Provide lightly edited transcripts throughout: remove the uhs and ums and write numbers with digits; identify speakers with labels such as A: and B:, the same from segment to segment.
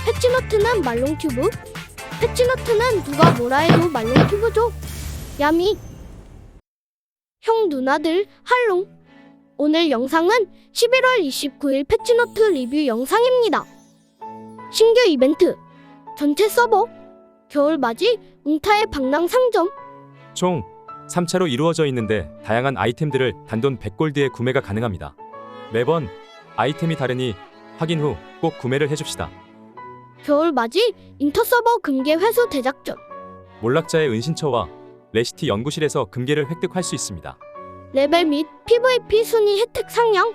A: 패치너트는 말롱튜브. 패치너트는 누가 뭐라 해도 말롱튜브죠. 야미. 형 누나들 할롱. 오늘 영상은 11월 29일 패치너트 리뷰 영상입니다. 신규 이벤트, 전체 서버, 겨울맞이, 웅타의 방랑 상점.
B: 총 3차로 이루어져 있는데 다양한 아이템들을 단돈 100골드에 구매가 가능합니다. 매번 아이템이 다르니 확인 후 꼭 구매를 해줍시다.
A: 겨울맞이, 인터서버 금괴 회수 대작전.
B: 몰락자의 은신처와 레시티 연구실에서 금괴를 획득할 수 있습니다.
A: 레벨 및 PVP 순위 혜택 상향.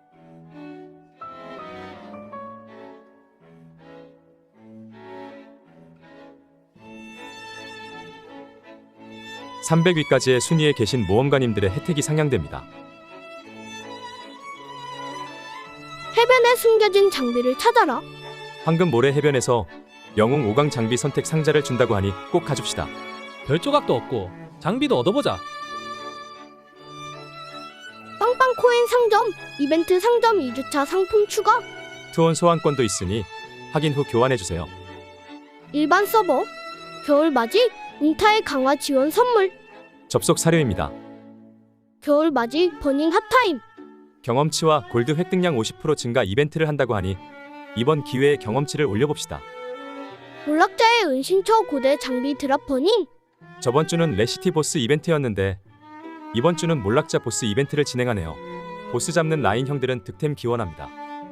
B: (300위까지의) 순위에 계신 모험가님들의 혜택이 상향됩니다.
A: 해변에 숨겨진 장비를 찾아라.
B: 황금 모래 해변에서 영웅 5강 장비 선택 상자를 준다고 하니 꼭 가줍시다.
C: 별 조각도 얻고 장비도 얻어보자.
A: 빵빵 코인 상점, 이벤트 상점 2주차 상품 추가.
B: 투혼 소환권도 있으니 확인 후 교환해주세요.
A: 일반 서버, 겨울맞이, 웅타의 강화 지원 선물.
B: 접속 사료입니다.
A: 겨울맞이 버닝 핫타임.
B: 경험치와 골드 획득량 50% 증가 이벤트를 한다고 하니 이번 기회에 경험치를 올려봅시다.
A: 몰락자의 은신처 고대 장비 드랍 버닝.
B: 저번 주는 레시티 보스 이벤트였는데 이번 주는 몰락자 보스 이벤트를 진행하네요. 보스 잡는 라인 형들은 득템 기원합니다.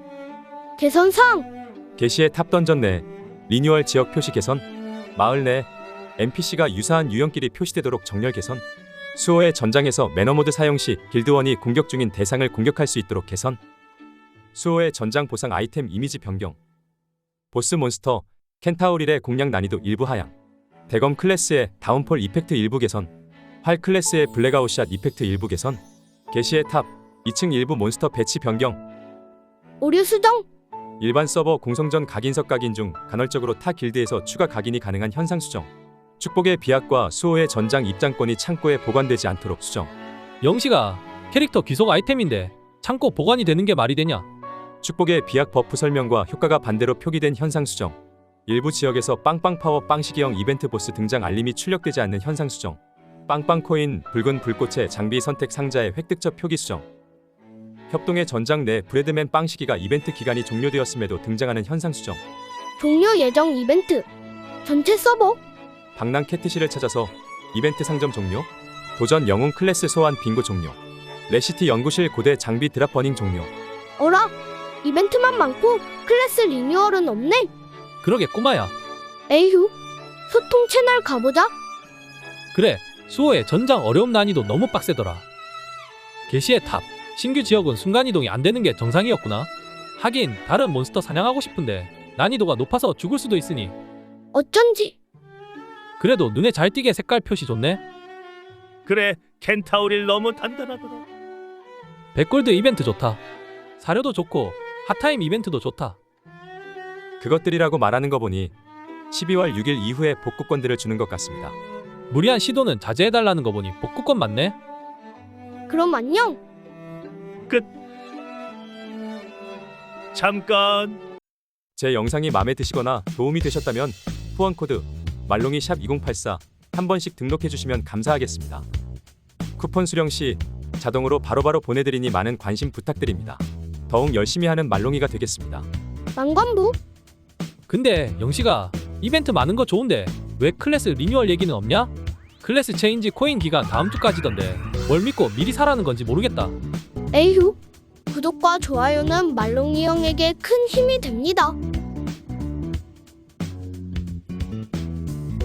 A: 개선사항.
B: 게시의 탑 던전 내 리뉴얼 지역 표시 개선, 마을 내 NPC가 유사한 유형끼리 표시되도록 정렬 개선, 수호의 전장에서 매너모드 사용 시 길드원이 공격 중인 대상을 공격할 수 있도록 개선, 수호의 전장 보상 아이템 이미지 변경, 보스 몬스터 켄타우릴의 공략 난이도 일부 하향, 대검 클래스의 다운폴 이펙트 일부 개선, 활 클래스의 블랙아웃샷 이펙트 일부 개선, 게시의 탑 2층 일부 몬스터 배치 변경,
A: 오류 수정.
B: 일반 서버 공성전 각인석 각인 중 간헐적으로 타 길드에서 추가 각인이 가능한 현상 수정, 축복의 비약과 수호의 전장 입장권이 창고에 보관되지 않도록 수정.
C: 영시가 캐릭터 귀속 아이템인데 창고 보관이 되는 게 말이 되냐?
B: 축복의 비약 버프 설명과 효과가 반대로 표기된 현상 수정. 일부 지역에서 빵빵 파워 빵시기형 이벤트 보스 등장 알림이 출력되지 않는 현상 수정. 빵빵 코인 붉은 불꽃의 장비 선택 상자의 획득처 표기 수정. 협동의 전장 내 브레드맨 빵시기가 이벤트 기간이 종료되었음에도 등장하는 현상 수정.
A: 종료 예정 이벤트. 전체 서버.
B: 방랑 캐트실을 찾아서 이벤트 상점 종료. 도전 영웅 클래스 소환 빙고 종료. 레시티 연구실 고대 장비 드랍 버닝 종료.
A: 어라? 이벤트만 많고 클래스 리뉴얼은 없네.
C: 그러게 꼬마야.
A: 에휴. 소통 채널 가보자.
C: 그래, 수호의 전장 어려움 난이도 너무 빡세더라. 게시의 탑 신규 지역은 순간이동이 안 되는 게 정상이었구나. 하긴 다른 몬스터 사냥하고 싶은데 난이도가 높아서 죽을 수도 있으니
A: 어쩐지.
C: 그래도 눈에 잘 띄게 색깔 표시 좋네.
D: 그래, 켄타우릴 너무 단단하더라.
C: 100골드 이벤트 좋다. 사료도 좋고 핫타임 이벤트도 좋다.
B: 그것들이라고 말하는 거 보니 12월 6일 이후에 복구권들을 주는 것 같습니다.
C: 무리한 시도는 자제해달라는 거 보니 복구권 맞네.
A: 그럼 안녕.
D: 잠깐.
B: 제 영상이 마음에 드시거나 도움이 되셨다면 후원 코드 말롱이 샵 2084 한 번씩 등록해 주시면 감사하겠습니다. 쿠폰 수령 시 자동으로 바로바로 보내드리니 많은 관심 부탁드립니다. 더욱 열심히 하는 말롱이가 되겠습니다.
A: 망관부.
C: 근데 영시가 이벤트 많은 거 좋은데 왜 클래스 리뉴얼 얘기는 없냐? 클래스 체인지 코인 기간 다음 주까지던데 뭘 믿고 미리 사라는 건지 모르겠다.
A: 에휴. 구독과 좋아요는 말롱이 형에게 큰 힘이 됩니다.